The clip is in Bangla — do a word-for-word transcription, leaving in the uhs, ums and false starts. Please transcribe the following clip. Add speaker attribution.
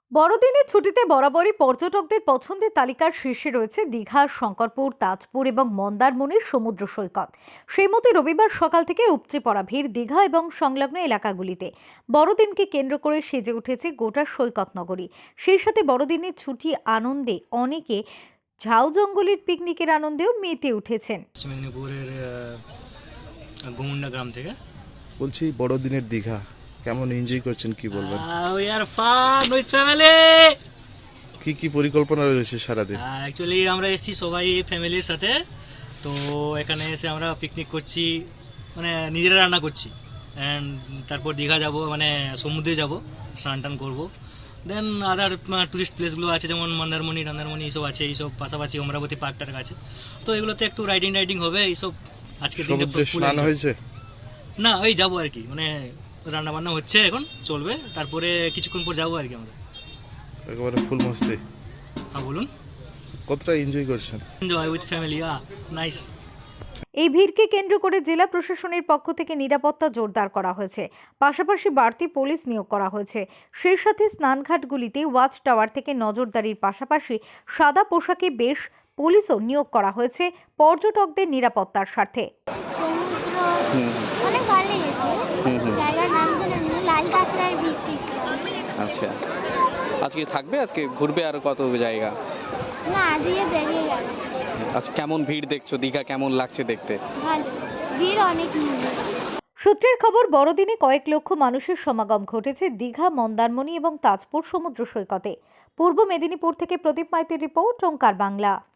Speaker 1: বড়দিনের ছুটিতে বরাবরই পর্যটকদের পছন্দের তালিকার শীর্ষে রয়েছে দীঘা, শঙ্করপুর, তাজপুর এবং মন্দারমণির সমুদ্র সৈকত। সেই মতো রবিবার সকাল থেকে উপচে পড়া ভিড় দীঘা এবং সংলগ্ন এলাকাগুলিতে। বড়দিনকে কেন্দ্র করে সেজে উঠেছে গোটা সৈকত নগরী। সেই সাথে বড়দিনের ছুটি আনন্দে অনেকে ঝাউ জঙ্গলের পিকনিকের আনন্দেও মেতে উঠেছেন।
Speaker 2: পশ্চিম মেদিনীপুরের আহ, গোমুন্ডা গ্রাম থেকে।
Speaker 3: বলছি বড়দিনের দীঘা কেমন এনজয় করছেন কি বলবেন?
Speaker 2: We are fun with family.
Speaker 3: কি কি পরিকল্পনা রয়েছে সারাদিন?
Speaker 2: অ্যাকচুয়ালি আমরা এসেছি সবাই ফ্যামিলির সাথে। তো এখানে এসে আমরা পিকনিক করছি, মানে নিজেরা রান্না করছি। অ্যান্ড তারপর দীঘা যাব, মানে সমুদ্রে যাব, স্নান টান করবো। দেন আদার টুরিস্ট প্লেসগুলো আছে, যেমন মন্দারমণি টান্দারমণি এইসব আছে, এইসব পাশাপাশি অমরাবতী পার্কটার কাছে। তো এগুলোতে একটু রাইডিং রাইডিং হবে এইসব। আজকে
Speaker 3: সমুদ্রে স্নান হয়েছে
Speaker 2: না, ওই যাবো আর কি, মানে রান্না বান্না হচ্ছে এখন, চলবে, তারপরে কিছুক্ষণ পর যাবো আর কি আমরা।
Speaker 3: একেবারে ফুল মস্তি।
Speaker 2: হ্যাঁ বলুন।
Speaker 3: কতটা এনজয় করছেন?
Speaker 2: Enjoy with family, a nice.
Speaker 1: এই ভিড়কে কেন্দ্র করে জেলা প্রশাসনের পক্ষ থেকে নিরাপত্তা জোরদার করা হয়েছে। পাশাপাশি বাড়তি পুলিশ নিয়োগ করা হয়েছে। সেই সাথে স্নানঘাটগুলিতে ওয়াচ টাওয়ার থেকে নজরদারির পাশাপাশি সাদা পোশাকে বেশ পুলিশও নিয়োগ করা হয়েছে পর্যটকদের নিরাপত্তার স্বার্থে।
Speaker 4: সমুদ্র অনেক ভালো লেগেছে। জায়গার নাম তো জানি না, লাল কাঁকড়ার বীজ দেখলাম।
Speaker 5: আচ্ছা, আজকে থাকবে, আজকে ঘুরবে আর কত জায়গা?
Speaker 4: না, আজকে বেরিয়ে গেল।
Speaker 5: আচ্ছা, কেমন ভিড় দেখছো? দীঘা কেমন লাগছে দেখতে?
Speaker 4: ভালো, ভিড় অনেক নেই।
Speaker 1: সূত্রের খবর, বড়দিনে কয়েক লক্ষ মানুষের সমাগম ঘটেছে দীঘা, মন্দারমণি এবং তাজপুর সমুদ্র সৈকতে। পূর্ব মেদিনীপুর থেকে প্রদীপ মাইতির রিপোর্ট, ওঙ্কার বাংলা।